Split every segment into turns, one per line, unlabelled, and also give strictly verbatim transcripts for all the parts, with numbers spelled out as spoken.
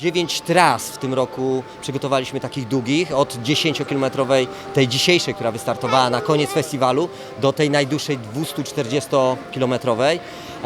dziewięć tras w tym roku przygotowaliśmy takich długich, od dziesięciokilometrowej, tej dzisiejszej, która wystartowała na koniec festiwalu, do tej najdłuższej dwustuczterdziestokilometrowej.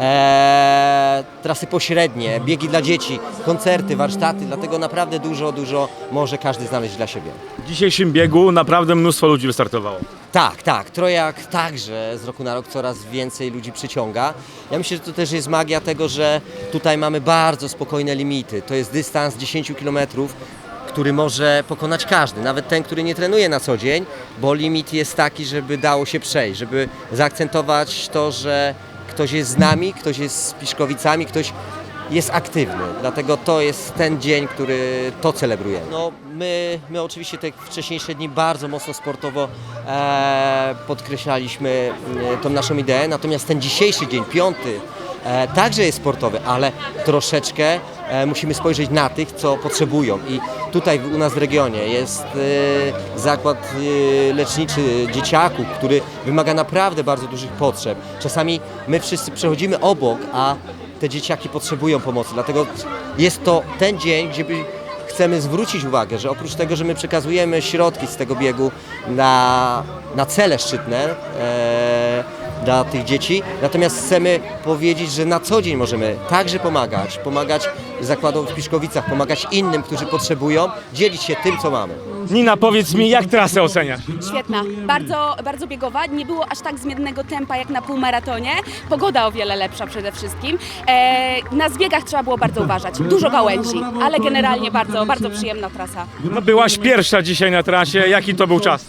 Eee, trasy pośrednie, biegi dla dzieci, koncerty, warsztaty, dlatego naprawdę dużo, dużo może każdy znaleźć dla siebie.
W dzisiejszym biegu naprawdę mnóstwo ludzi wystartowało.
Tak, tak. Trojak także z roku na rok coraz więcej ludzi przyciąga. Ja myślę, że to też jest magia tego, że tutaj mamy bardzo spokojne limity. To jest dystans dziesięć kilometrów, który może pokonać każdy, nawet ten, który nie trenuje na co dzień, bo limit jest taki, żeby dało się przejść, żeby zaakcentować to, że ktoś jest z nami, ktoś jest z Piszkowicami, ktoś jest aktywny, dlatego to jest ten dzień, który to celebrujemy. No, my, my oczywiście te wcześniejsze dni bardzo mocno sportowo e, podkreślaliśmy e, tą naszą ideę, natomiast ten dzisiejszy dzień, piąty, e, także jest sportowy, ale troszeczkę e, musimy spojrzeć na tych, co potrzebują i tutaj u nas w regionie jest e, zakład e, leczniczy dzieciaków, który wymaga naprawdę bardzo dużych potrzeb. Czasami my wszyscy przechodzimy obok, a te dzieciaki potrzebują pomocy, dlatego jest to ten dzień, gdzie by chcemy zwrócić uwagę, że oprócz tego, że my przekazujemy środki z tego biegu na, na cele szczytne e, dla tych dzieci, natomiast chcemy powiedzieć, że na co dzień możemy także pomagać, pomagać zakładom w Piszkowicach, pomagać innym, którzy potrzebują, dzielić się tym, co mamy.
Nina, powiedz mi, jak trasę oceniasz?
Świetna, bardzo, bardzo biegowa, nie było aż tak zmiennego tempa jak na półmaratonie, pogoda o wiele lepsza przede wszystkim. E, na zbiegach trzeba było bardzo uważać, dużo gałęzi, ale generalnie bardzo, bardzo przyjemna trasa.
No, byłaś pierwsza dzisiaj na trasie, jaki to był czas?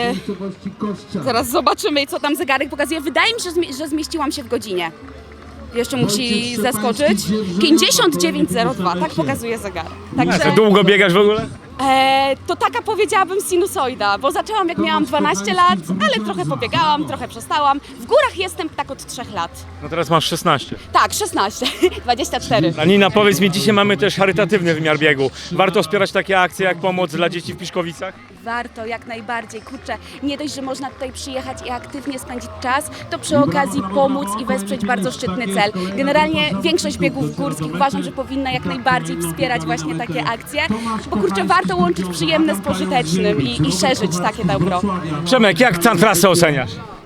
E, zaraz zobaczymy, co tam zegarek pokazuje. Wydaje mi się, że, zmi- że zmieściłam się w godzinie. Jeszcze musi zaskoczyć. pięćdziesiąt dziewięć zero dwa, tak pokazuje zegar.
A
Także
to długo biegasz w ogóle?
e, to taka powiedziałabym sinusoida, bo zaczęłam jak miałam dwanaście lat, ale trochę pobiegałam, trochę przestałam. W górach jestem tak od trzech lat.
No teraz masz szesnaście.
Tak, szesnaście, dwadzieścia cztery.
A Nina, powiedz mi, dzisiaj mamy też charytatywny wymiar biegu. Warto wspierać takie akcje jak pomoc dla dzieci w Piszkowicach?
Warto, jak najbardziej. Kurczę, nie dość, że można tutaj przyjechać i aktywnie spędzić czas, to przy okazji pomóc i wesprzeć bardzo szczytny cel. Generalnie większość biegów górskich uważam, że powinna jak najbardziej wspierać właśnie takie akcje, bo kurczę, warto łączyć przyjemne z pożytecznym i, i szerzyć takie dobro.
Przemek, jak tę trasę oceniasz?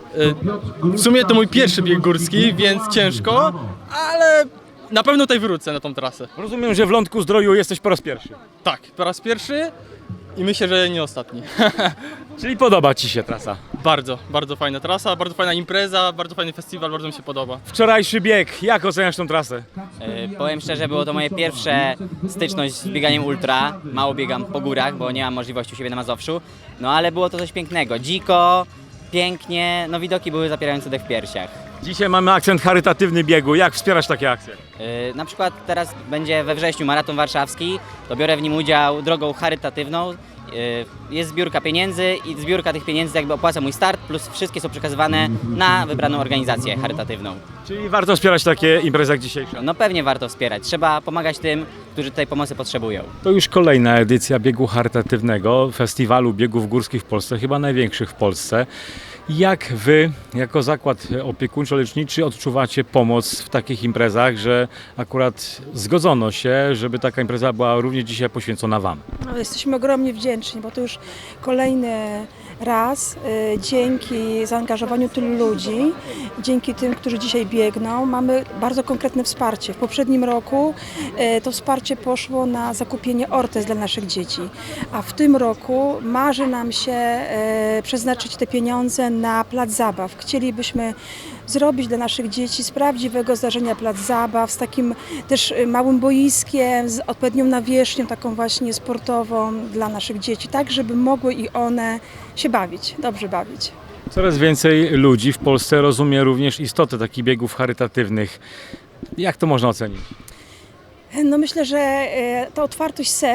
W sumie to mój pierwszy bieg górski, więc ciężko, ale na pewno tutaj wrócę na tą trasę.
Rozumiem, że w Lądku Zdroju jesteś po raz pierwszy.
Tak, po raz pierwszy i myślę, że nie ostatni.
Czyli podoba Ci się trasa?
Bardzo, bardzo fajna trasa, bardzo fajna impreza, bardzo fajny festiwal, bardzo mi się podoba.
Wczorajszy bieg, jak oceniasz tę trasę?
E, Powiem szczerze, było to moje pierwsze styczność z bieganiem ultra. Mało biegam po górach, bo nie mam możliwości u siebie na Mazowszu. No ale było to coś pięknego. Dziko, pięknie, no widoki były zapierające dech w piersiach.
Dzisiaj mamy akcent charytatywny biegu. Jak wspierać takie akcje?
E, Na przykład teraz będzie we wrześniu maraton warszawski, to biorę w nim udział drogą charytatywną. E, Jest zbiórka pieniędzy i zbiórka tych pieniędzy jakby opłaca mój start, plus wszystkie są przekazywane na wybraną organizację charytatywną.
Czyli warto wspierać takie imprezy jak dzisiejsza.
No pewnie warto wspierać, trzeba pomagać tym, którzy tej pomocy potrzebują.
To już kolejna edycja biegu charytatywnego, festiwalu biegów górskich w Polsce, chyba największych w Polsce. Jak Wy, jako zakład opiekuńczo-leczniczy, odczuwacie pomoc w takich imprezach, że akurat zgodzono się, żeby taka impreza była również dzisiaj poświęcona Wam?
No, jesteśmy ogromnie wdzięczni, bo to już kolejny raz y, dzięki zaangażowaniu tylu ludzi, dzięki tym, którzy dzisiaj biegną, mamy bardzo konkretne wsparcie. W poprzednim roku y, to wsparcie poszło na zakupienie ortez dla naszych dzieci, a w tym roku marzy nam się y, przeznaczyć te pieniądze na plac zabaw. Chcielibyśmy zrobić dla naszych dzieci z prawdziwego zdarzenia plac zabaw, z takim też małym boiskiem, z odpowiednią nawierzchnią, taką właśnie sportową dla naszych dzieci, tak żeby mogły i one się bawić, dobrze bawić.
Coraz więcej ludzi w Polsce rozumie również istotę takich biegów charytatywnych. Jak to można ocenić?
No myślę, że e, ta otwartość serc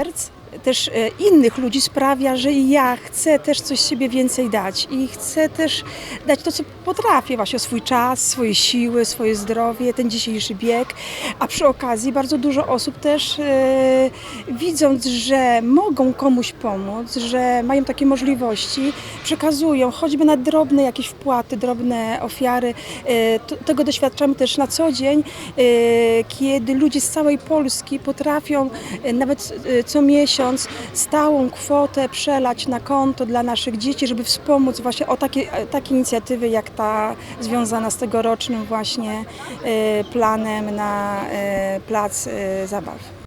też e, innych ludzi sprawia, że ja chcę też coś z siebie więcej dać i chcę też dać to, co potrafię, właśnie swój czas, swoje siły, swoje zdrowie, ten dzisiejszy bieg, a przy okazji bardzo dużo osób też e, widząc, że mogą komuś pomóc, że mają takie możliwości, przekazują choćby na drobne jakieś wpłaty, drobne ofiary. E, to, tego doświadczamy też na co dzień, e, kiedy ludzie z całej Polski potrafią e, nawet e, co miesiąc stałą kwotę przelać na konto dla naszych dzieci, żeby wspomóc właśnie o takie, takie inicjatywy jak ta związana z tegorocznym właśnie e, planem na e, plac e, zabaw.